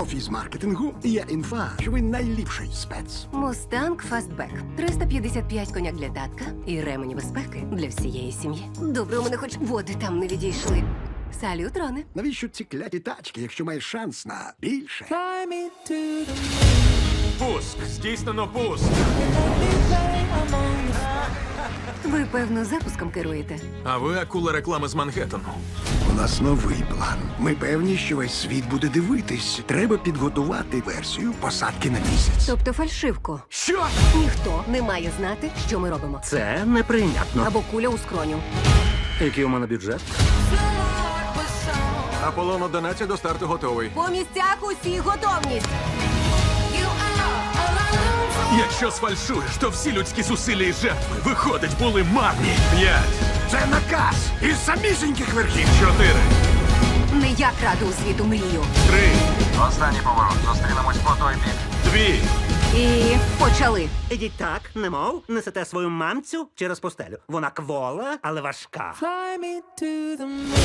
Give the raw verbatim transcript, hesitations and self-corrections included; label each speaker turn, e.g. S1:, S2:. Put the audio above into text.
S1: фізмаркетингу є інфа, що ви найліпший спец.
S2: Мустанг Фастбек. триста п'ятдесят п'ять коняк для татка і ремені безпеки для всієї сім'ї. Добре, у мене хоч води там не відійшли. Салют, Роне.
S1: Навіщо ці кляті тачки, якщо маєш шанс на більше?
S3: Пуск! Здійснено пуск!
S2: Ви, певно, запуском керуєте.
S3: А ви акула реклами з Манхеттену.
S1: У нас новий план. Ми певні, що весь світ буде дивитись. Треба підготувати версію посадки на місяць.
S2: Тобто фальшивку.
S1: Що?
S2: Ніхто не має знати, що ми робимо.
S4: Це неприйнятно.
S2: Або куля у скроню.
S4: Який у мене бюджет?
S3: Аполлон одинадцять до старту готовий.
S2: По місцях усі готовність.
S3: Якщо сфальшуєш, то всі людські зусилля і жертви, виходить, були марні. П'ять,
S1: Це наказ із самісіньких верхів.
S3: чотири,
S2: Не я краду у світу мрію.
S3: три,
S5: Останній поворот. Зустрінемось по той бік.
S3: дві.
S2: І почали.
S4: Ідіть так, немов несете свою мамцю через постелю. Вона квола, але важка.
S6: Fly me to the moon.